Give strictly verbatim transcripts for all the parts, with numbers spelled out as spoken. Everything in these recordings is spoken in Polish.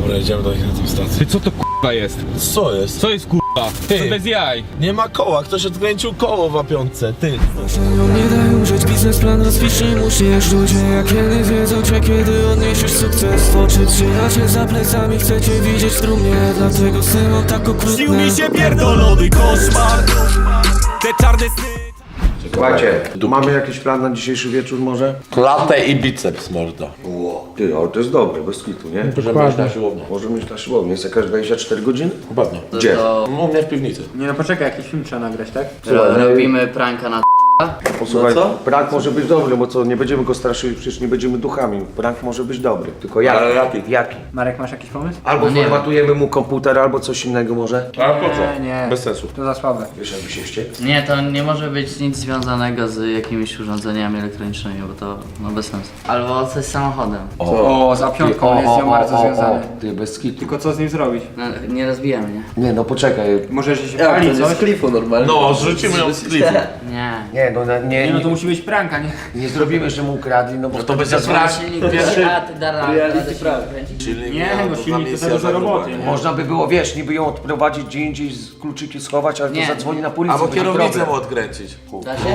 Dobra, jedziemy do nich na tą stację. Ty co to k***a jest? Co jest? Co jest k***a? Ty. To bez jaj. Nie ma koła, ktoś odkręcił koło w łapiątce, ty. Nie daj użyć, biznesplan rozpisz, nie musisz. Ludzie jak kiedy wiedzą cię, kiedy odniesiesz sukces. Oczy trzymacie za plecami, chcecie widzieć w trumnie. Dlatego syną tak okrutne. Śnił mi się pierdolony koszmar. Te czarne sny. Słuchajcie, mamy jakiś plan na dzisiejszy wieczór może? Klatę i biceps, mordo. Ło, ty, ale to jest dobre, bez kitu, nie? Możemy iść na siłownię. Możemy iść na siłownię, jest jakaś dwadzieścia cztery godziny? Pewnie. Gdzie? U mnie w piwnicy. Nie no poczekaj, jakiś film trzeba nagrać, tak? Słuchaj, Robimy pranka na Posłuchaj, prank może być dobry, bo co, nie będziemy go straszyli, przecież nie będziemy duchami. Prank może być dobry, tylko jaki? Ale jaki? Jaki? Marek, masz jakiś pomysł? Albo No nie formatujemy mu komputer, albo coś innego może. A po co? Nie, nie. Bez sensu. To za słabe. Wiesz, jakby się wściekł? Nie, to nie może być nic związanego z jakimiś urządzeniami elektronicznymi, bo to no bez sensu. Albo coś z samochodem. O, za piątką jest z nią bardzo związany. ty, bez kitu. Tylko co z nim zrobić? No, nie rozbijemy, nie? Nie, no poczekaj. Może, że się pali coś? No, zrzucimy ją z klifu. Nie. Nie, no nie, Nie nie, no to musi być pranka, nie? nie zrobimy, że mu ukradli, no bo To będzie Zadzwonić sprawdź. silnik pierwszy, a ty da radę kręcić. Silnik Nie, no silnik to za dużo roboty, nie? można by było, wiesz, niby ją odprowadzić gdzie indziej, z kluczyki schować, ale Nie. to zadzwoni na policję. Albo będzie kierownicę problem. mu odkręcić. Da się?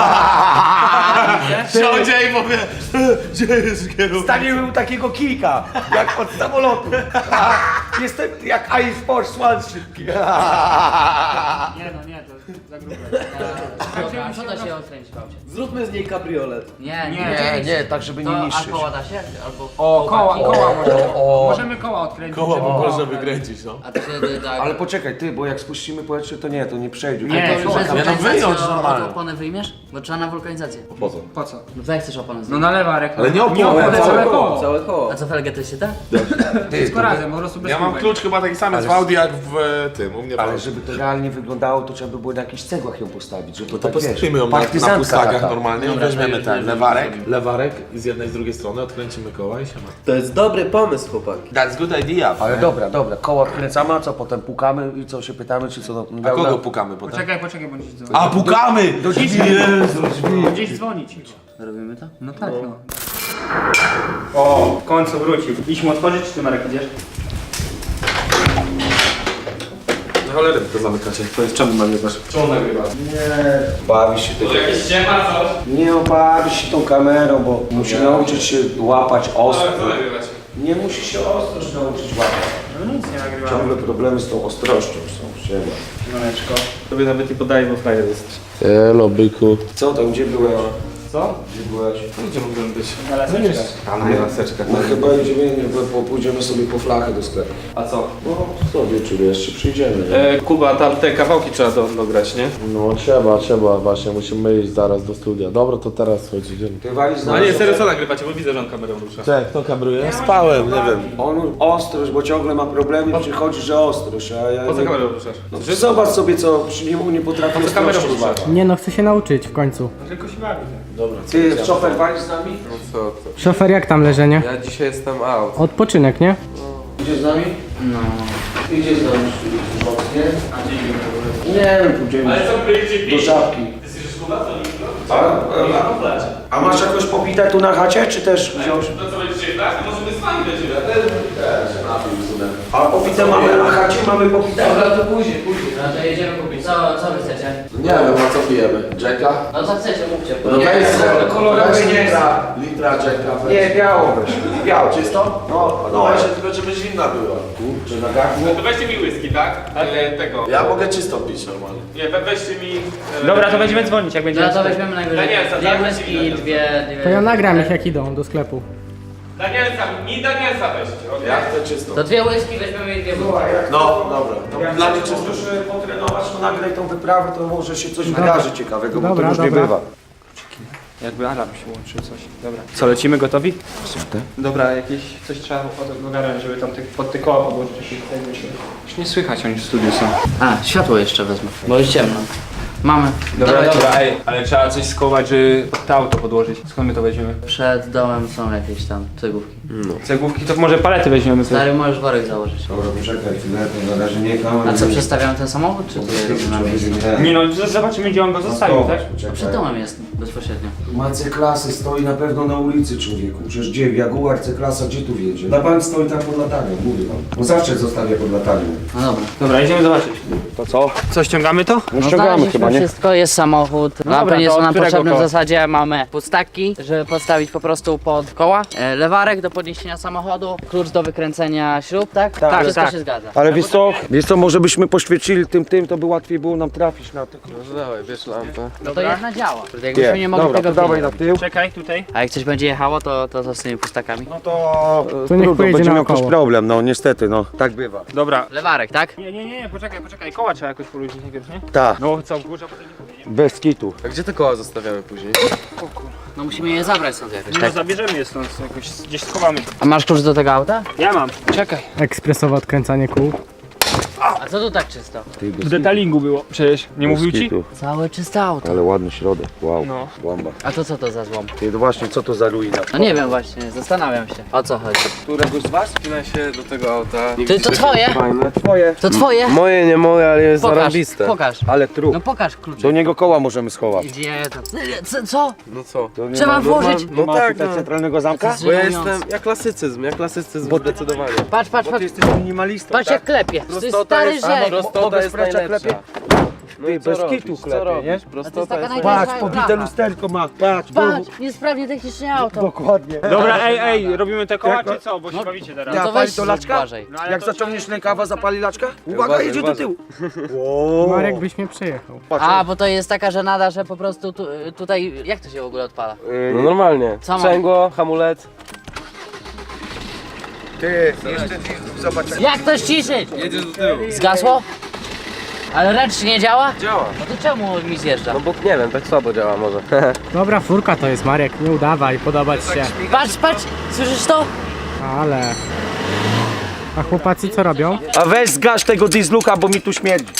Siądzie i powie, gdzie jest kierownica? Staniemy mu takiego kilka, jak od samolotu. Jestem jak Ice Force One szybki. Nie no, nie, to za grube. Dobra, a co da się odkręcić w aucie? Zróbmy z niej kabriolet. Nie, nie, Nie, nie, tak żeby To nie a niszczyć. koła da się? Albo O, koła, koła możemy. o. Możemy koła odkręcić. Koło żeby- można wykręcić, no. A wtedy tak. Ale poczekaj, ty, bo jak spuścimy powietrze, to nie, to nie przejdzie. Nie, to, to to, Przez Nie, no wulkanizację wyjąć o- normalnie. o opony wyjmiesz? Bo trzeba na wulkanizację. Po co? Po co? No to jak chcesz opony No zdjąć? na lewarek. Ale nie opony, nie opony, całe całe koło. koło. Całe koło. A co felgę to się da? ty, Wszystko to, razem, po prostu bez Ja mam kubek. klucz chyba taki sam jest w Audi jak w e, tym, u mnie w ale Audi. żeby to realnie wyglądało, to trzeba by było na jakichś cegłach ją postawić, żeby To tak, wiesz, postawimy ją na, na partyzantka pustagach taka. normalnie, Dobra, weźmiemy to ten już lewarek, lewarek i z jednej i z drugiej strony odkręcimy koła i się ma. To jest dobry pomysł, chłopaki. That's good idea. Ale dobra, dobra, koła wkręcamy, a co potem pukamy i co się pytamy, czy co? A kogo pukamy potem? Poczekaj, poczekaj, bo gdzieś dzwoni. A pukamy! Do drzwi. Gdzieś dzwonić. Robimy to? No tak, no. O, w końcu wrócił. Idź mu otworzyć, czy ty Marek idziesz? No cholery, to zamykacie. To jest czemu nagrywasz? Czemu nagrywasz? Bawi się tego. Jakieś ściema, coś? Nie obawi się tą kamerą, bo musi nauczyć się łapać ostro. nagrywać? Nie musi się ostrość nauczyć łapać. No nic nie nagrywamy. Ciągle problemy z tą ostrością są. Siema. Maneczko. Tobie nawet nie podaję, bo frajer jesteś. Elo, byku. Co tam, gdzie byłeś? Co? Gdzie byłeś? Gdzie mógłbym być? Na laseczkach. Tam na laseczkach. No chyba idziemy, nie, bo pójdziemy sobie po flachę do sklepu. A co? No, co wieczór jeszcze przyjdziemy. Nie? E, Kuba, tam te kawałki trzeba do, dograć, nie? No trzeba, trzeba właśnie, musimy iść zaraz do studia. Dobra, to teraz chodź, idziemy. Ty walisz z A nami. nie, serio, co nagrywacie, bo widzę, że on kamerą rusza. Cześć, kto kameruje? Ja spałem, nie wiem. On ostrość, bo ciągle ma problemy, przychodzi, że ostrość, a ja Po co nie... kamerą ruszasz? No, zobacz sobie, co przy niemu nie potrafi Po co kamerą ostrości ruszasz? złapać. Nie no, chcę się nauczyć w końcu. Tylko się bawi. Ty, szofer, walisz z nami? Co to? Szofer, jak tam leżenie? Ja dzisiaj jestem out. Odpoczynek, nie? Idzie z nami? No. Idzie z nami. Nie? Nie wiem, pójdziemy do żabki. A, a, a masz jakąś popitę tu na chacie, czy też wziąć? To co będziecie grać? Możemy z wami będziemy. A popitę mamy na chacie, mamy popitę. Dobra, to później, później. No to jedziemy kupić. Co, co wy chcecie? Nie wiem, a co pijemy? Jacka? No co chcecie, mówcie. No weź sobie, kolorowe weź nie litra, litra Jacka. weź. Nie, biało weź. Biało. Czysto? No, No no, właśnie, tylko żeby zimna była. Czy na garnku? To weźcie mi whisky, tak? E, tego. Ja mogę czysto pić normalnie. Nie, we, weźcie mi... E, Dobra, to będziemy dzwonić, jak będziemy. No to weźmiemy najwyżej Danielsa, dwie dawaj whisky ci i Danielsa. dwie, dwie... To ja nagram ich jak idą do sklepu. Danielsa, mi Danielsa weźcie, okej? Ja chcę czysto. To dwie whisky weźmiemy i dwie whisky. No, dobra. To Jak dla mnie chcesz czysto. możesz potrenować, to nagraj tą wyprawę, to może się coś wydarzy ciekawego, bo to Dobra, już nie dobra. bywa. Jakby alarm się łączył, coś. Dobra. Co, lecimy gotowi? Dobra, jakieś coś trzeba ogarnąć, żeby tam te, pod te koła podłożyć. Jakieś tutaj myślę. Już nie słychać, oni w studiu są. A, światło jeszcze wezmę, bo jest ciemno. Mamy. Dobra, Dawajcie. dobra, ej, ale trzeba coś skować, żeby pod to auto podłożyć. Skąd my to weźmiemy? Przed domem są jakieś tam cegłówki. Cegłówki, to może palety weźmiemy sobie. Stary, możesz worek założyć. Dobra, poczekaj chwilę, to na razie nie kamer. A co, przestawiam ten samochód, czy ty robisz na miejscu? Nie no, z- zobaczymy, gdzie on go zostawił, tak? To przed domem jest. bezpośrednio. Ma C-klasy, stoi na pewno na ulicy, człowieku. Przecież gdzie? Jaguar C-klasa, gdzie tu wiedzie? Na bank stoi tam pod latarnią, mówię wam. On zawsze zostawia pod latarnią. No dobra. Dobra, idziemy zobaczyć. To co? Co, ściągamy to? No znaleźliśmy wszystko, jest samochód. Lampy dobra, nie to są od nam którego potrzebne, w koła? zasadzie mamy pustaki, żeby podstawić po prostu pod koła. E, lewarek do podniesienia samochodu, klucz do wykręcenia śrub, tak? Tak, Wszystko tak. się zgadza. Ale wiesz co? Wiesz co, może byśmy poświecili tym tym, to by łatwiej było nam trafić na to. No dawaj, bierz lampę. No to jedna działa. Jakbyśmy nie mogli Dobra, tego to dawaj pilnować. na tył. Czekaj, tutaj. A jak coś będzie jechało, to, to, to z tymi pustakami. No to, To niech trudno, pojedzie będzie miał naokoło. jakiś problem, no niestety, no. Tak bywa. Dobra. Lewarek, tak? Nie, nie, nie, poczekaj, poczekaj. Koła trzeba jakoś poluźnić najpierw, nie? Tak, No, co, w górze, potem nie później. bez kitu. A gdzie te koła zostawiamy później? No musimy je zabrać stąd jakoś, No, tak? zabierzemy je stąd, jakoś gdzieś schowamy. A masz klucz do tego auta? Ja mam. Czekaj. Ekspresowe odkręcanie kół. A co tu tak czysto? Ty, bez W detalingu było. Przecież, nie bez mówił ci? kitu. Całe czyste auto. Ale ładny środek, wow, No. łamba. A to co to za złom? Ty, no właśnie, co to za ruina? No nie wiem właśnie, zastanawiam się. O co chodzi? Któregoś z was? Spina się do tego auta. Ty, to twoje? Fajne. Twoje. To twoje? Moje, nie moje, ale jest Pokaż, zarąbiste. pokaż. Ale trup. No pokaż klucz. Do niego koła możemy schować. Gdzie to? Co? co? No co? To nie Trzeba ma- włożyć. Nie No ma tak, tutaj no. centralnego zamka? To Bo ja żenujące. jestem, ja klasycyzm, ja klasycyzm zdecydowanie. Patrz, patrz, Bo ty patrz. jesteś minimalistą, Patrz tak? jak klepie. To jest Prostota stary jest, rzek. prostota Mogę jest sprawdzić, jak najlepsza. No Ty, i co bez robisz? kitu Co klepie, robisz? nie? Prostota jest taka Patrz, Blacha. pobite lusterko ma, patrz, Patrz, niesprawnie technicznie auto. dokładnie. Dobra, ej, ej, robimy te koła, Jak- czy co? Bo się bawicie teraz. Ja to pali weź to laczka? uważaj. No, ale Jak to zaciągniesz rękawa, zapali laczka? Uwaga, Uważaj, jedzie do uważaj. tyłu. Wow. Marek byś mnie przejechał. Patrz, A, bo to jest taka żenada, że po prostu tu, tutaj... Jak to się w ogóle odpala? yy, No normalnie. Co mam? Sprzęgło, hamulec. ty, jeszcze zobacz. Jak to ściszyć? Jedziesz do tyłu. Zgasło? Ale ręcznie nie działa? Działa. No to czemu mi zjeżdża? No bo nie wiem, tak słabo działa może. Dobra, furka to jest, Marek, nie udawaj, podobać się. Patrz, patrz, słyszysz to? Ale... A chłopacy co robią? A weź zgasz tego diesluka, bo mi tu śmierdzi.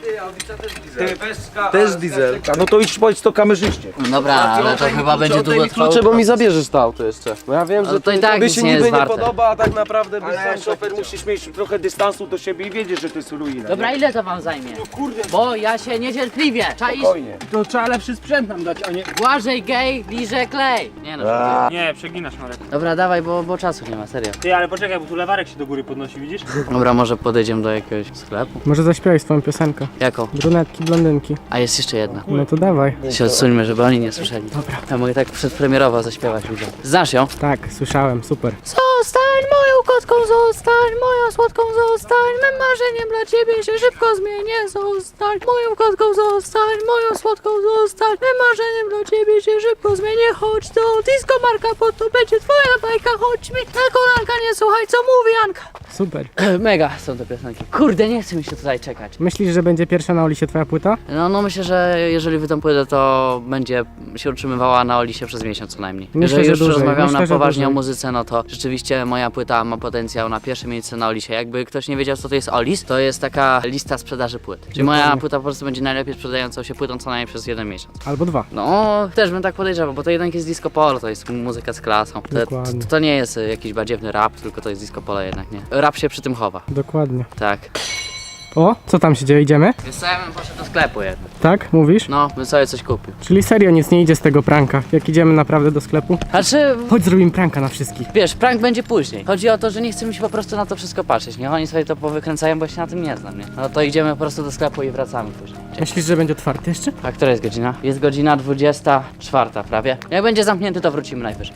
Ty, weź zgasz. Też diesel. No to idź powiedz to kamerzyście. Dobra, ale to chyba będzie długo trwało. Klucze, bo mi zabierzesz to auto jeszcze. Bo ja wiem, Ale że to to, i tak tobie nic się nie niby jest nie warte. podoba, a tak naprawdę byś Ale sam szofer musisz mieć trochę dystansu do siebie i wiedzieć, że to jest ruina. Dobra, ile to wam zajmie? Bo ja się niecierpliwie. Czaisz? Spokojnie. To trzeba lepszy sprzęt nam dać, a nie... Błażej gej, liże klej. Nie no. Nie, przeginasz, Marek. Dobra, dawaj, bo, bo czasu nie ma, serio. Ty, ale poczekaj, bo tu lewarek się do góry podnosi, widzisz? Dobra, może podejdziemy do jakiegoś sklepu? Może zaśpiewaj swoją piosenkę. Jaką? Brunetki, blondynki. A jest jeszcze jedna. No to dawaj. Się odsuńmy, żeby oni nie słyszeli. Dobra. Ja mogę tak przedpremierowo zaśpiewać ludziom. Znasz ją? Tak, słyszałem, super. Zostań moją kotką, zostań moją słodką, zostań mym marzeniem dla ciebie się szybko zmienię. Zostań moją kotką, zostań moją słodką, zostań mym marzeniem dla ciebie się szybko zmienię. Chodź do disco Marka, bo to będzie twoja bajka. Chodź mi na kolanka, nie słuchaj co mówi Anka. Super. Mega są te piosenki. Kurde, nie chce mi się tutaj czekać. Myślisz, że będzie pierwsza na Olisie twoja płyta? No, no myślę, że jeżeli wy tam pójdę, to będzie się utrzymywała na Olisie przez miesiąc co najmniej. Myślę, jeżeli że już dłużej. rozmawiam Myślę, na że poważnie o dłużej. muzyce, no to rzeczywiście moja płyta ma potencjał na pierwsze miejsce na Olisie. Jakby ktoś nie wiedział, co to jest Olis, to jest taka lista sprzedaży płyt. Czyli moja Dokładnie. płyta po prostu będzie najlepiej sprzedającą się płytą co najmniej przez jeden miesiąc. Albo dwa. No, też bym tak podejrzewał, bo to jednak jest disco polo, to jest muzyka z klasą. To, to, Dokładnie. to nie jest y, jakiś badziewny rap, tylko to jest disco polo jednak, nie? Rap się przy tym chowa. Dokładnie. Tak. O, co tam się dzieje? Idziemy? Więc co, ja bym poszedł do sklepu jednak. Tak? Mówisz? No, bym sobie coś kupił. Czyli serio nic nie idzie z tego pranka. Jak idziemy naprawdę do sklepu? Znaczy, Chodź zrobimy pranka na wszystkich. wiesz, prank będzie później. Chodzi o to, że nie chce mi się po prostu na to wszystko patrzeć. Niech oni sobie to powykręcają, bo ja się na tym nie znam, nie? No to idziemy po prostu do sklepu i wracamy później. Cześć. Myślisz, że będzie otwarty jeszcze? A która jest godzina? Jest godzina dwudziesta czwarta prawie. Jak będzie zamknięty, to wrócimy najwyżej.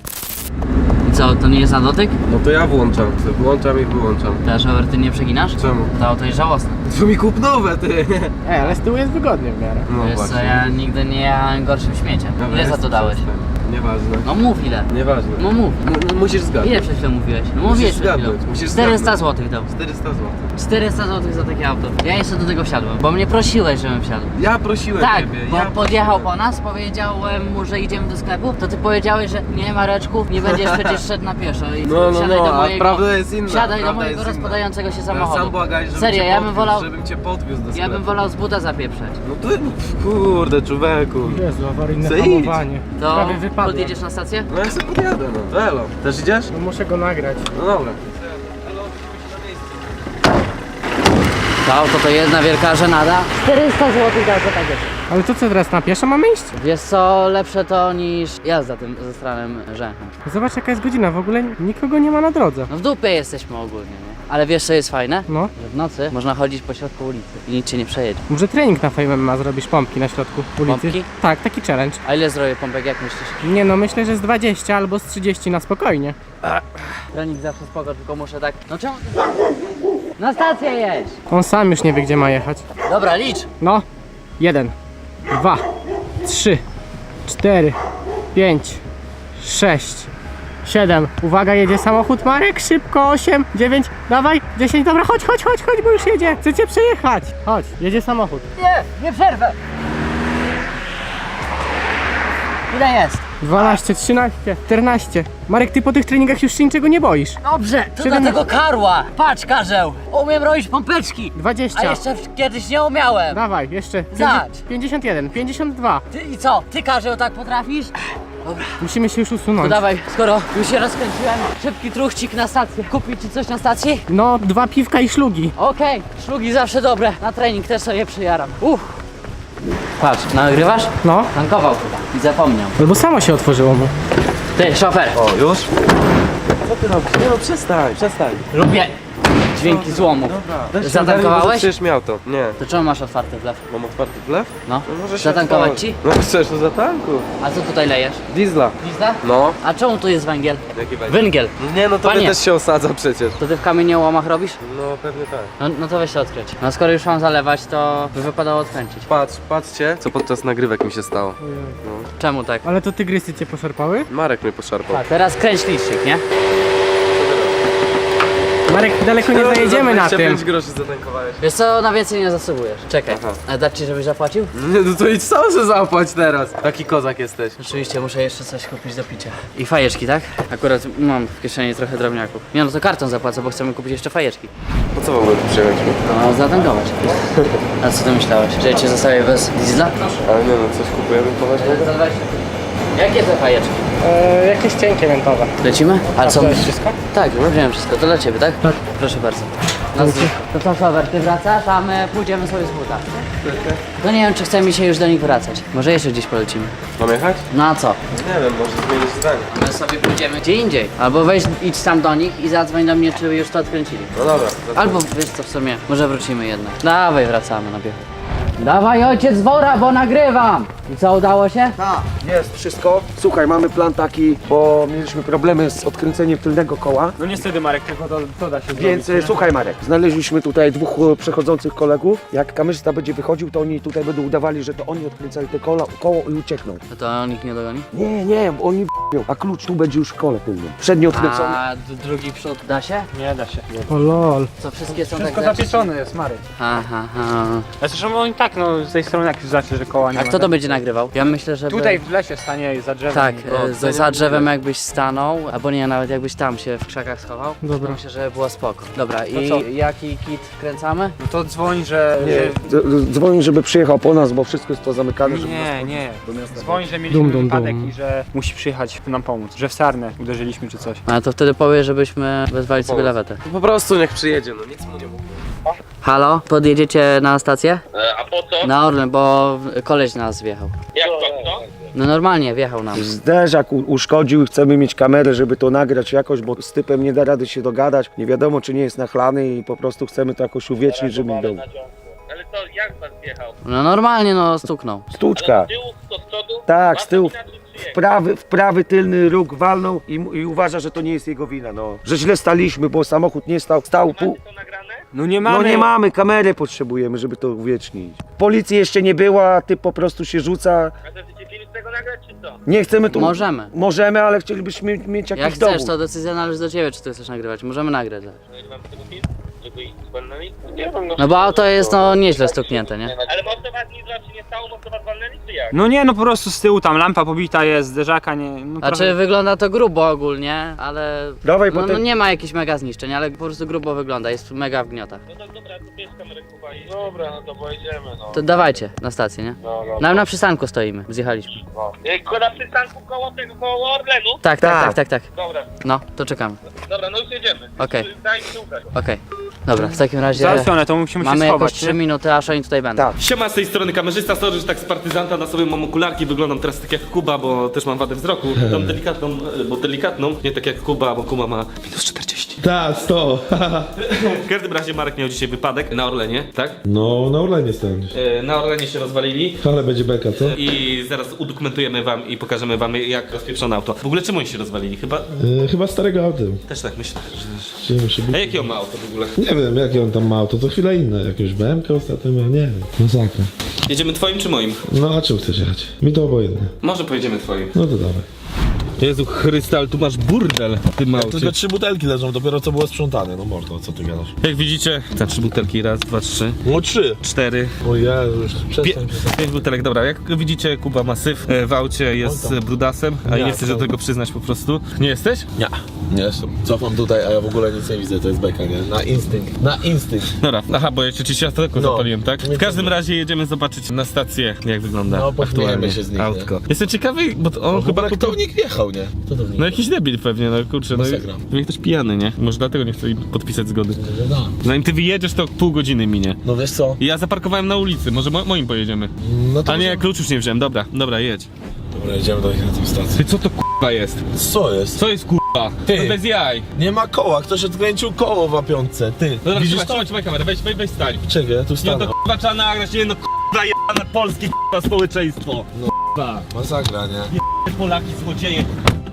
I co, to nie jest na dotyk? No to ja włączam, włączam i wyłączam. Teraz Robert, ty nie przeginasz? Czemu? To auto jest żałosne. To mi kup nowe, ty! Ej, ale z tyłu jest wygodnie w miarę. No Wiesz co, ja nigdy nie jechałem gorszym śmieciem. Dobra, Ile za jest, to dałeś? przestań. Nieważne. No mów ile. Nieważne. No mów. M- m- musisz zgadnąć. Ile przed chwilą mówiłeś? No Musisz mówiłeś przed chwilą. zgadnąć, musisz czterysta zgadnąć. złotych dał. czterysta złotych. czterysta złotych za takie auto. Ja jeszcze do tego wsiadłem, bo mnie prosiłeś, żebym wsiadł. Ja prosiłem Tak, ciebie. bo ja podjechał po nas, powiedziałem mu, że idziemy do sklepu, to ty powiedziałeś, że nie Mareczku, nie będziesz przecież szedł na pieszo i No, no, wsiadaj no, do a mojego, prawda jest inna. wsiadaj do prawda mojego jest inna. rozpadającego się Ja samochodu. sam błagaj, żebym Serio, cię ja bym podwiózł, wolał, żebym cię podwiózł do sklepu. ja bym wolał z buta zapieprzeć. No to, kurde, człowieku. Jezu, awaryjne Co idź? hamowanie. To Prawie wypadło. podjedziesz na stację? No ja sobie podjadę, no. Elo. Też idziesz? No muszę go nagrać. No dobra. To auto to jedna wielka żenada. czterysta złotych dał za takie. Ale to co teraz, na pieszo mamy iść? Wiesz co, lepsze to niż jazda tym ze stranym rzęchem. Zobacz jaka jest godzina, w ogóle nikogo nie ma na drodze. No w dupie jesteśmy ogólnie, nie? Ale wiesz co jest fajne? No, Że w nocy można chodzić po środku ulicy i nic cię nie przejedzie. może trening na Fame M M A zrobisz, pompki na środku ulicy. Pompki? Tak, taki challenge. A ile zrobię pompek, jak myślisz? Nie no, myślę, że z dwadzieścia albo z trzydzieści na spokojnie. Trening zawsze spoko, tylko muszę tak... No czemu? Na stację jedź! On sam już nie wie gdzie ma jechać. Dobra, licz! No, jeden, dwa, trzy, cztery, pięć, sześć, siedem. Uwaga, jedzie samochód Marek, szybko, osiem, dziewięć, dawaj, dziesięć, dobra, chodź, chodź, chodź, chodź, bo już jedzie. Chcecie przejechać. Chodź, jedzie samochód. Nie, nie przerwę! Ile jest? dwanaście, trzynaście, czternaście. Marek, ty po tych treningach już się niczego nie boisz. Dobrze, to Siedem- dlatego karła! Patrz, Karzeł! Umiem robić pompeczki! A dwadzieścia. jeszcze w- kiedyś nie umiałem! Dawaj, jeszcze. Zacz. pięćdziesiąt jeden, pięćdziesiąt dwa. Ty i co? Ty, Karzeł, tak potrafisz? Musimy się już To usunąć. dawaj, skoro już się rozkręciłem, szybki truchcik na stację. Kupić ci coś na stacji? No, dwa piwka i szlugi. Okej, szlugi zawsze dobre. Na trening też sobie przyjaram. Uff. Patrz, nagrywasz? No, Tankował chyba i zapomniał. albo samo się otworzyło mu. Ty, szofer, O, już? Co ty robisz? Nie no, przestań, przestań. lubię dźwięki złomu. Weź Zatankowałeś? bo przecież miał to. Nie. To czemu masz otwarty wlew? Mam otwarty wlew? No, No może się zatankować otworzy. ci? No chcesz, to zatanku. A co tutaj lejesz? Diesla. Lizda? No. A czemu tu jest węgiel? Jaki będzie? Węgiel. Nie no, to Panie. też się osadza przecież. To ty w kamieniołomach robisz? No pewnie tak. No, no to weź się odkręć. No skoro już mam zalewać, to by wypadało odkręcić. Patrz, patrzcie, co podczas nagrywek mi się stało. Czemu tak? Ale to tygrysy cię poszarpały? Marek mnie poszarpał. A teraz kręć licznik, nie? Marek, daleko nie zajedziemy na dwadzieścia tym. pięć groszy zatankowałeś. Wiesz co, na więcej nie zasługujesz. Czekaj, Aha. a dać ci, żebyś zapłacił? Nie, no to idź sam się zapłać teraz. Taki kozak jesteś. Oczywiście muszę jeszcze coś kupić do picia. I fajeczki, tak? Akurat mam w kieszeni trochę drobniaków. Nie no to kartą zapłacę, bo chcemy kupić jeszcze fajeczki. Po co w ogóle tu przyjechaliśmy? No zatankować. A co ty myślałeś? Że ja cię zostawię bez diesla? Ale nie no, coś kupujemy poważnie. Jakie te fajeczki? E, jakieś cienkie miętowe. Lecimy? Ale są... To jest wszystko? Tak, wziąłem wszystko. To dla ciebie, tak? Tak. Proszę bardzo. Na zdrówko. To co, Szower, ty wracasz, a my pójdziemy sobie z buta. To nie wiem, czy chce mi się już do nich wracać. Może jeszcze gdzieś polecimy. Mam jechać? No a co? Nie wiem, może zmienić zdanie. My sobie pójdziemy gdzie indziej. Albo weź, idź tam do nich i zadzwoń do mnie, czy już to odkręcili. No dobra. Albo wiesz co, w sumie, może wrócimy jednak. Dawaj, wracamy na biechu. Dawaj ojciec wora, bo nagrywam! I co, udało się? Tak, jest wszystko. Słuchaj, mamy plan taki, bo mieliśmy problemy z odkręceniem tylnego koła. No niestety Marek, tylko to, to da się Więc e, słuchaj Marek, znaleźliśmy tutaj dwóch e, przechodzących kolegów. Jak kamerzysta będzie wychodził, to oni tutaj będą udawali, że to oni odkręcali te koło, koło i uciekną. No to on ich nie dogoni? Nie, nie, bo oni b***ą, a klucz tu będzie już w kole tylnym. Przedni odkręcony. A d- drugi przód da się? Nie da się. O lol. Co, wszystkie są Wszystko tak zapieczone jest, Marek. Aha, aha. A zresztą oni tak, no z tej strony jak już zacznie, że koła nie A ma. kto to będzie nagrywał? Ja myślę, że... Tutaj w lesie stanie za drzewem. Tak, No, e, za, za drzewem jakbyś stanął, albo nie, nawet jakbyś tam się w krzakach schował. Dobra. To myślę, że było spoko. Dobra, i co? jaki kit wkręcamy? No to dzwoń, że... Nie, że... d- d- dzwoni, żeby przyjechał po nas, bo wszystko jest pozamykane. żeby nas- Nie, nie. Dzwoń, że mieliśmy Dum, dum, wypadek dum. i że musi przyjechać nam pomóc. Że w sarnę uderzyliśmy czy coś. Ale to wtedy powie, żebyśmy wezwali sobie lawetę. Po prostu niech przyjedzie, no nic mu nie mówi. Halo? Podjedziecie na stację? A po co? Na Orlen, bo koleś na nas wjechał. Jak to co? No normalnie, wjechał nam. Zderzak u- uszkodził i chcemy mieć kamerę, żeby to nagrać jakoś, bo z typem nie da rady się dogadać. Nie wiadomo, czy nie jest nachlany i po prostu chcemy to jakoś uwiecznić, żeby był. Ale to jak pan wjechał? No normalnie, no stuknął. Stłuczka. Z tyłu, to z przodu? Tak, z tyłu. Inaczej przyjechał. Prawy, w prawy tylny róg walnął i, i uważa, że to nie jest jego wina, no. Że źle staliśmy, bo samochód nie stał, stał pół... To nagrane? No nie mamy. No nie mamy, kamery potrzebujemy, żeby to uwiecznić. Policji jeszcze nie była, ty po prostu się rzuca. A to chcecie film z tego nagrać, czy co? Nie chcemy tu... Możemy. Możemy, ale chcielibyśmy mieć jakiś Jak chcesz, dowód. to decyzja należy do ciebie, czy ty chcesz nagrywać. Możemy nagrać. zaraz. No i mam z tego film? Żeby iść z panami? Nie wiem, no. No bo auto jest no nieźle stuknięte, nie? Ale mocno was nic wam się nie stało? Mocno was walnęli, czy jak? No nie, no po prostu z tyłu tam lampa pobita jest, zderzaka nie... No Znaczy trochę... wygląda to grubo ogólnie, ale... Dawaj, No, potem... no nie ma jakichś mega zniszczeń, ale po prostu grubo wygląda, jest mega w gniotach. No to dobra, to bierz kamerę Kuba i... Dobra, no to pojedziemy, no. To dawajcie na stację, nie? No, no. Na, na przystanku stoimy, zjechaliśmy. no. Ej, na przystanku koło tego, koło Orlenu? Tak, tak, Tak. tak, tak, tak. Dobra, No, to czekamy. dobra, no już jedziemy. Okej. Daj mi słuchać. Okej. Dobra, w takim razie Załatwione, to musimy się mamy jakoś schować, trzy nie? minuty, aż oni tutaj będą. Tak. Siema, z tej strony kamerzysta, sorry, że tak z partyzanta na sobie mam okularki, wyglądam teraz tak jak Kuba, bo też mam wadę wzroku. Tą delikatną, bo delikatną, nie tak jak Kuba, bo Kuba ma minus czterdzieści. Tak, sto. W każdym razie Marek miał dzisiaj wypadek na Orlenie, tak? No, na Orlenie stałem. E, Na Orlenie się rozwalili Ale będzie beka, co? i zaraz udokumentujemy wam i pokażemy wam, jak rozpieprzone auto. W ogóle czemu oni się rozwalili? Chyba Yy, chyba starego autem. też tak myślę, że... Gdzie musi być? A jakie on ma auto w ogóle? Nie wiem, jakie on tam ma auto, co chwilę inne. Jakieś B M K ostatnio miał, nie wiem. Masakra. Jedziemy twoim czy moim? No, a czym chcesz jechać? Mi to obojętnie. Może pojedziemy twoim. No to dawaj. Jezu Chryste, ale tu masz burdel w tym aucie. Tylko trzy butelki leżą, dopiero co było sprzątane. No mordo, co ty gadasz? Jak widzicie, te trzy butelki, raz, dwa, trzy, No trzy. cztery, O Jezu, już Pie przestań. pięć butelek, dobra, jak widzicie, Kuba ma syf e, w aucie, jest Oj tam. brudasem, a Nie, nie chcesz do to- tego przyznać po prostu. Nie jesteś? Nie, nie jestem. Cofam tutaj, a ja w ogóle nic nie widzę, to jest beka, nie? Na instynkt. Na instynkt. Dobra, aha, bo ja ci światełko No. zapaliłem, tak? W każdym razie jedziemy zobaczyć na stację, jak wygląda No, pośmiejemy aktualnie się z nich, nie? autko. Jestem ciekawy, bo to on No, chyba... chyba kto kupił- w nich wjechał, nie? Kto to w nich No jakiś debil pewnie, no kurczę, no i Masakra. pewnie ktoś pijany, nie? Może dlatego nie chce im podpisać zgody. No. Zanim ty wyjedziesz, to pół godziny minie. No wiesz co? I ja zaparkowałem na ulicy, może mo moim pojedziemy. No to A nie, klucz już nie wziąłem, dobra, dobra, jedź. Dobra, jedziemy do nich na tę stację. Ty, co to k***a jest? Co jest? Co jest k***a? Ty. Bez jaj. Nie ma koła, ktoś odkręcił koło w apiątce, ty. Dobra, Widzisz trzymaj, to? trzymaj, trzymaj kamerę, weź, weź, weź stań. Czekaj, ja tu Nie, stanę. to k***a trzeba nagrać, nie no k***a jebane polskie k***a społeczeństwo. K***a. Masakra, nie? Polaki złodzieje,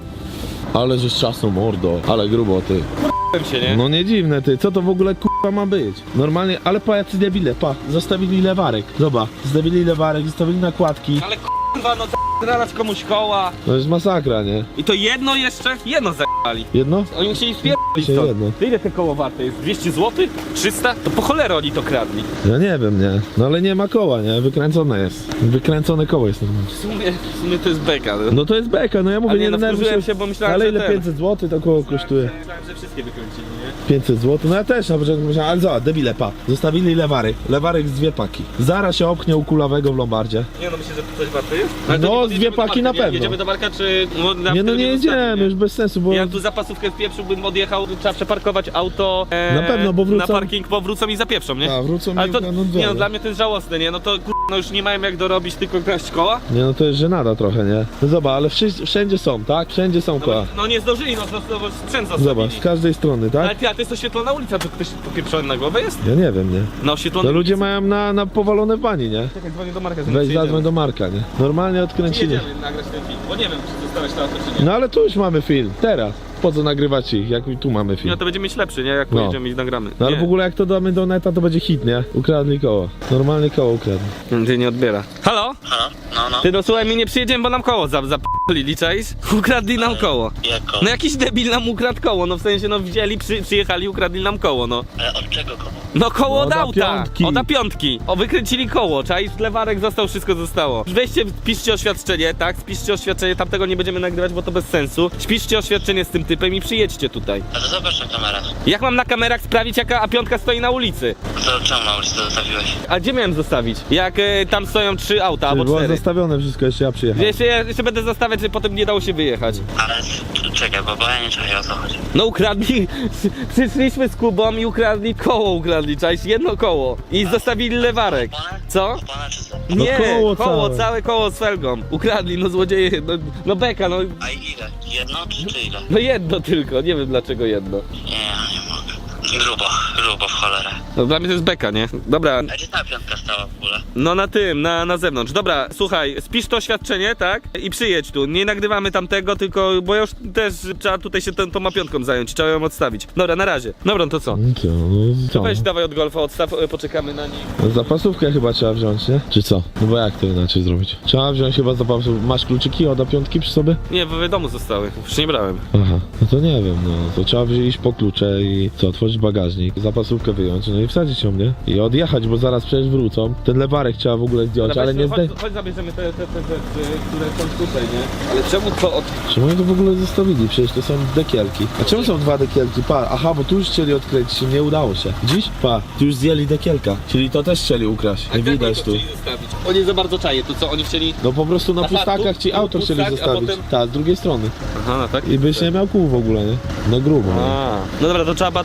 Ale żeś czasem mordo, ale grubo, ty. k***łem się, nie? No nie dziwne, ty, co to w ogóle k***a ma być? Normalnie, ale pa, jacy debile, pa, zostawili lewarek. Zobacz, zostawili lewarek, zostawili nakładki. Ale k***wa, no zaraz komuś koła. To jest masakra, nie? I to jedno jeszcze? Jedno zajebali. Jedno? Oni musieli spierdolić Się to. jedno. To ile te koło warte jest? dwieście złotych? trzysta? To po cholerę oni to kradli. Ja nie wiem, nie. No ale nie ma koła, nie? Wykręcone jest. Wykręcone koło jest normalnie. W sumie, w sumie to jest beka. No. No to jest beka, no ja mówię, Ale nie, nie no denerwuj wkurzyłem się, bo myślałem, ale że ile ten- pięćset złotych to koło kosztuje? Myślałem, że wszystkie wykręcili, nie? pięćset złotych? No ja też na początku myślałem, ale zobacz, debile, pa. Zostawili lewarek. Lewarek z dwie paki. Zaraz się opchnie u kulawego w Lombardzie. Nie no, myślę, że to coś warte jest. No, to nie z dwie jedziemy do paki Marka, na nie? pewno. Jedziemy do Marka, czy... No, na Nie no wtedy nie zostawi, jedziemy, już bez sensu, bo... Ja tu zapasówkę wpieprzyłbym, odjechał, trzeba przeparkować auto e, Na pewno, bo wrócą- na parking, bo wrócą i zapieprzą, nie? A, wrócą Ale i to, ukradną nie dwa, no, nie? dla mnie to jest żałosne, nie? No to kur... no już nie mają jak dorobić, tylko kraść koła. Nie no to jest żenada trochę, nie? No zobacz, ale wszędzie, wszędzie są, tak? Wszędzie są No, koła. no nie zdążyli, no to, to sprzęt zostawili. Zobacz, z każdej strony, Ale tak? ty, a to jest oświetlona ulica, to ktoś popieprzony na głowę jest? Ja nie wiem, nie? Na oświetlonej No ludzie ulicy. mają na, na powalone w bani, nie? Czekaj, dzwonię do Marka, Weź zadzwoń do Marka, nie? Normalnie odkręcili. Jedziemy nagrać ten film, bo nie wiem, czy zostałeś to auto, czy nie. No ale tu już mamy film, teraz. Po co nagrywać ich, jak tu mamy film? No to będzie mieć lepszy, nie? Jak No. pojedziemy i nagramy. No ale Nie. w ogóle jak to damy do neta, to będzie hit, nie? Ukradli koło. Normalnie koło ukradli. Ty nie odbiera. Halo? Halo? No, no. Ty no słuchaj, my nie przyjedziemy, bo nam koło zap zapalili, czaisz? Ukradli nam koło. Jako? No jakiś debil nam ukradł koło, no w sensie no wzięli, przy, przyjechali, ukradli nam koło, no. Ale od czego komu? No koło No, od od auta, piątki. od piątki. O, wykręcili koło, czaisz? Lewarek został, wszystko zostało. Weźcie, piszcie oświadczenie, tak? Spiszcie oświadczenie, tamtego nie będziemy nagrywać, bo to bez sensu. Spiszcie oświadczenie z tym typem i przyjedźcie tutaj. A to zobacz na kamerach. Jak mam na kamerach sprawić, jaka A piątka stoi na ulicy? To czemu na ulicy to zostawiłeś? A gdzie miałem zostawić? Jak e, tam stoją trzy auta albo Było cztery. zostawione wszystko, jeszcze ja przyjechałem. Jeszcze, jeszcze będę zostawiać, że potem nie dało się wyjechać. Ale c- czekaj, bo, bo ja nie czaję o co chodzi. No ukradli, przyszliśmy z Kubą i ukradli koło, ukradli, czaisz? Jedno koło. I zostawili lewarek. Opony? Co? Opony czy co? No Nie, koło koło, całe. całe koło z felgą. Ukradli, no złodzieje, no, no beka, no, A ile? Jedno czy, czy ile? no jedno tylko, nie wiem dlaczego jedno. Nie, ja nie mogę. Grubo, grubo w cholerę. No dla mnie to jest beka, nie? Dobra, A gdzie ta piątka stała w ogóle? no na tym, na, na zewnątrz. Dobra, słuchaj, spisz to oświadczenie, tak? I przyjedź tu. Nie nagrywamy tamtego, tylko, bo już też trzeba tutaj się tą, tą mapiątką zająć, trzeba ją odstawić. Dobra, na razie. Dobra, no to co? No co, no co? Weź dawaj od golfa, odstaw, e, poczekamy na nich. No zapasówkę chyba trzeba wziąć, nie? Czy co? No bo jak to inaczej zrobić? Trzeba wziąć chyba zapasówkę. Masz kluczyki od A piątki przy sobie? Nie, w domu zostały, już nie brałem. Aha, no to nie wiem, no to trzeba wziąć po klucze i co, otworzyć bagażnik, zapasówkę wyjąć, no i wsadzić ją, nie? I odjechać, bo zaraz przecież wrócą. Ten lewarek trzeba w ogóle zdjąć, Dobra, ale weźmy, nie zdej... chodź, chodź zabierzemy te, te, te rzeczy, które są tutaj, nie? Ale czemu to od... Czemu oni to w ogóle zostawili? Przecież to są dekielki. A czemu są dwa dekielki? Pa, aha, bo tu już chcieli odkręcić, nie udało się. Dziś? Pa, tu już zdjęli dekielka, czyli to też chcieli ukraść, nie widać tu. Oni za bardzo czaje, to co, oni chcieli... No po prostu na Aha, pustakach tu- ci tu auto chcieli pustak, a zostawić. potem- Tak, z drugiej strony. Aha, no tak? I byś nie miał kół w ogóle, nie? No grubo. No. A, no dobra, to trzeba to auto ten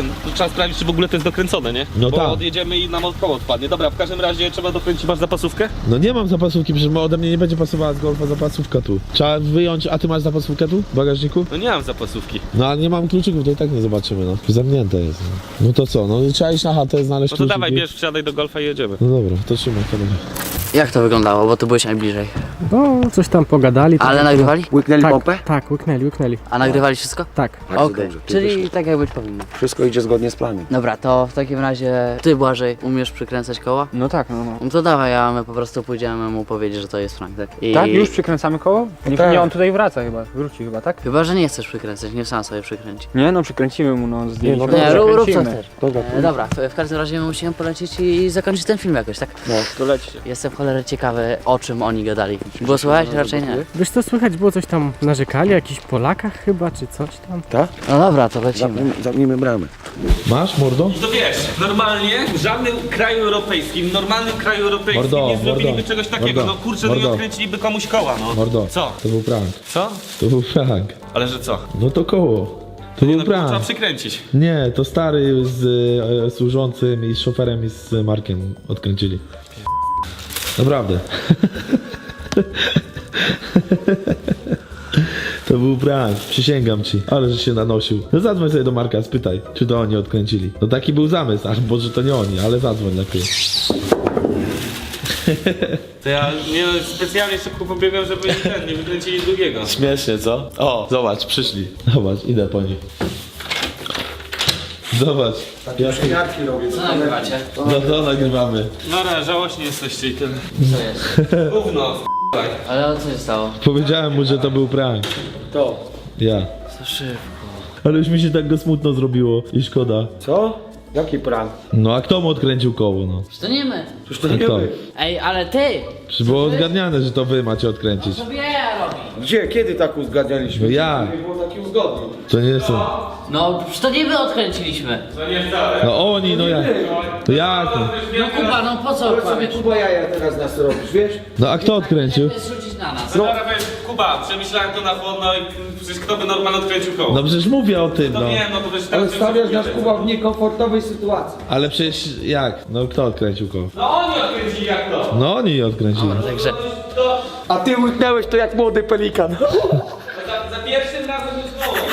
ten, to trzeba sprawdzić, czy w ogóle to jest dokręcone, nie? No Bo tak. odjedziemy i nam koło odpadnie. Dobra, w każdym razie trzeba dokręcić, masz zapasówkę? No nie mam zapasówki, przecież ode mnie nie będzie pasowała z golfa zapasówka tu. Trzeba wyjąć, a ty masz zapasówkę tu w bagażniku? No nie mam zapasówki. No ale nie mam kluczyków, to i tak nie zobaczymy, no. Zamknięte jest. No, no to co, no trzeba iść na chatę, znaleźć No to kluczyki. dawaj, bierz, wsiadaj do golfa i jedziemy. No dobra, to trzymaj kamerę. Jak to wyglądało, bo ty byłeś najbliżej. No, coś tam pogadali. tak Ale jak- nagrywali? Łyknęli Tak, pompę? tak, łyknęli, łyknęli. A nagrywali wszystko? Tak. Bardzo Okej, dobrze, to czyli wyszło. tak jak być powinno. Wszystko idzie zgodnie z planem. Dobra, to w takim razie ty, Błażej, umiesz przykręcać koła? No tak, no, no. No to dawaj, a my po prostu pójdziemy mu powiedzieć, że to jest Frank, tak? I... Tak? Już przykręcamy koło? Nie, tak. nie, on tutaj wraca chyba, wróci chyba, tak? Chyba, że nie chcesz przykręcać, nie sam sobie przykręci. Nie, no przykręcimy mu, no zdjęliśmy. no Nie, no, rób, rób co przykręcimy. chcesz. Dobra, E, dobra, w, w każdym razie my musimy polecieć i zakończyć ten film jakoś, tak? no, to lećcie. Jestem cholerę ciekawy, o czym oni gadali. Było słychać? Raczej nie. Wiesz co, słychać było coś tam, narzekali, o jakichś Polakach chyba, czy coś tam. Tak? No dobra, to lecimy. Zamknijmy, zamknijmy bramę. Masz, mordo? To wiesz, normalnie w żadnym kraju europejskim, w normalnym kraju europejskim Mordo, nie zrobiliby mordo, czegoś takiego. mordo, No kurczę, no i mordo. odkręciliby komuś koła, no. Mordo. Co? To był prank. Co? To był prank. Ale że co? No to koło. To Nie, był no trzeba prank. przykręcić. Nie, to stary z e, służącym i z szoferem i z Markiem odkręcili. Naprawdę. To był prank, przysięgam ci. Ale że się nanosił. No zadzwoń sobie do Marka, spytaj, czy to oni odkręcili. No taki był zamysł, ach, Boże, to nie oni, ale zadzwoń lepiej. To ja nie, no, specjalnie szybko pobiegłem, żeby nie, ten, nie wykręcili drugiego. Śmiesznie, co? O, zobacz, przyszli. Zobacz, idę po nich. Zobacz. Ja... Świadki robię. Co nagrywacie? No to nagrywamy. Dobra, żałośnie jesteście i tyle. Co jest? Gówno, f***aj. Ale co się stało? Powiedziałem mu, że to był prank. To. Ja. Co szybko. Ale już mi się tak go smutno zrobiło i szkoda. Co? Jaki prank? No a kto mu odkręcił koło, no? To nie my. Przecież to A nie kto? wy. Ej, ale ty! Czy było odgadniane, że to wy macie odkręcić? Co ja robi? Gdzie? Kiedy tak uzgadnialiśmy? No ja. Nie było takich uzgodnień. To nie są. No, przecież to nie my odkręciliśmy. No oni, no jak? To jak? No, No Kuba, no po co Ale sobie kłamiesz? Kuba jaja teraz nas robisz, wiesz? no a kto odkręcił? To jest rzucić na nas. No. Dobra, weź, Kuba, przemyślałem to na chłodno i przecież kto by normalnie odkręcił koło? No przecież mówię o tym, To no. wiem, no to przecież Ale teraz stawiasz nas już- Kuba w niekomfortowej sytuacji. Ale przecież jak? No kto odkręcił koło? No oni odkręcili jak to? No oni odkręcili. Także To A ty łyknęłeś to jak młody pelikan. za, za pierwszym razem już koło.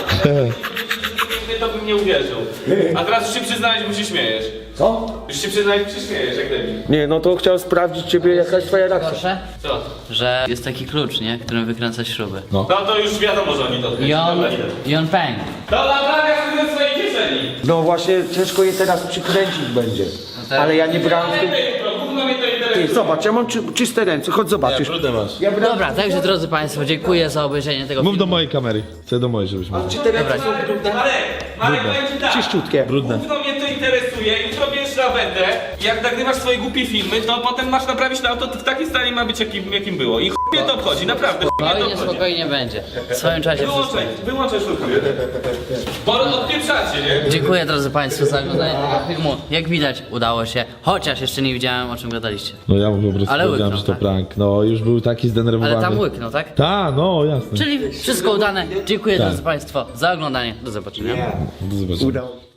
To bym nie uwierzył. A teraz już się przyznałeś, bo się śmiejesz. Co? Już się przyznałeś, bo się śmiejesz, jak debil. Nie, no to chciałem sprawdzić ciebie jakaś twoja reakcja. proszę, Co? że jest taki klucz, nie? Którym wykręcać śruby. No to już wiadomo, że oni to I odkręcili. on, Dobra, idę. i on pękł. To naprawia sobie ze swojej kieszeni. No właśnie, ciężko je teraz przykręcić będzie. Ale ja nie brałem w tym... Jutro, gówno mnie to interesuje. Ty, zobacz, ja mam czy, czyste ręce, chodź zobaczysz. Brudę masz. Ja brałem... Dobra, także drodzy Państwo, dziękuję za obejrzenie tego Mów do filmu. mojej kamery. Chcę do mojej, żebyś mówił. Czy te ręce Dobra. są brudne? Marek, Marek, powiem ci tak. Czyściutkie. Brudne. Gówno mnie to interesuje, jutro bierzesz lawetę, jak nagrywasz swoje głupie filmy, to potem masz naprawić to auto w takim stanie ma być jakim, jakim było. I chuj mnie to obchodzi, naprawdę chuj mnie to Spokojnie, obchodzi. spokojnie będzie. W swoim czasie wszystko. Wyłączaj, wyłączaj sztukę. Bo odpieprzacie, nie? Dziękuję drodzy Państwo za oglądanie tego filmu. Jak widać, udało się, chociaż jeszcze nie widziałem, o czym gadaliście. No ja mu po prostu Ale powiedziałem, łyknął, że to tak? prank. No już był taki zdenerwowany. Ale tam łyknął, tak? Ta, no jasne. Czyli wszystko udane. Dziękuję Tak. drodzy Państwo za oglądanie. Do zobaczenia. Do zobaczenia. Udało.